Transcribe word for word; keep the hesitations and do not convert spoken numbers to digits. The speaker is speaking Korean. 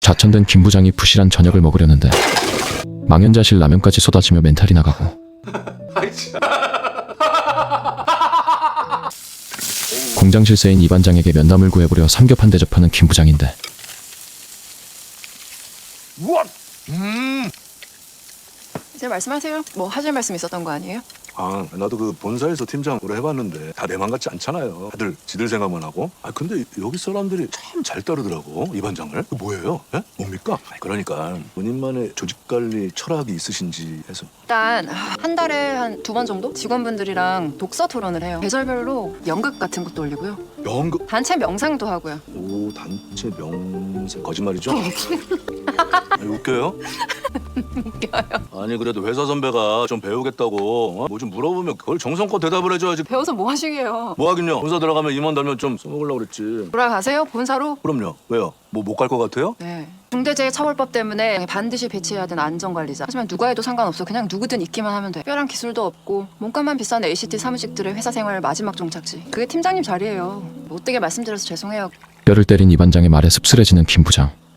자천된 김 부장이 부실한 저녁을 먹으려는데 망연자실 라면까지 쏟아지며 멘탈이 나가고 공장 실세인 이 반장에게 면담을 구해보려 삼겹한 대접하는 김 부장인데 음. 이제 말씀하세요. 뭐 하실 말씀 있었던 거 아니에요? 아, 나도 그 본사에서 팀장으로 해봤는데 다 내 맘 같지 않잖아요. 다들 지들 생각만 하고. 아, 근데 여기 사람들이 참 잘 따르더라고, 이 반장을. 그 뭐예요? 예? 뭡니까? 아니, 그러니까 본인만의 조직 관리 철학이 있으신지 해서. 일단 한 달에 한 두 번 정도 직원분들이랑 독서 토론을 해요. 계절별로 연극 같은 것도 올리고요. 연극. 단체 명상도 하고요. 오, 단체 명세 거짓말이죠? 아니, 웃겨요? 웃겨요. 아니 그래도 회사 선배가 좀 배우겠다고 어? 뭐 좀 물어보면 그걸 정성껏 대답을 해줘야지. 배워서 뭐 하시게요? 뭐 하긴요. 본사 들어가면 임원 달면 좀 써먹으려고 그랬지. 돌아가세요? 본사로? 그럼요. 왜요? 뭐 못 갈 것 같아요? 네. 중대재해처벌법 때문에 반드시 배치해야 되는 안전관리자. 하지만 누가 해도 상관없어. 그냥 누구든 있기만 하면 돼. 특별한 기술도 없고 몸값만 비싼 에이씨티 사무직들의 회사 생활 마지막 종착지. 그게 팀장님 자리예요. 못되게 말씀드려서 죄송해요. 뼈를 때린 이 반장의 말에 씁쓸해지는 김 부장.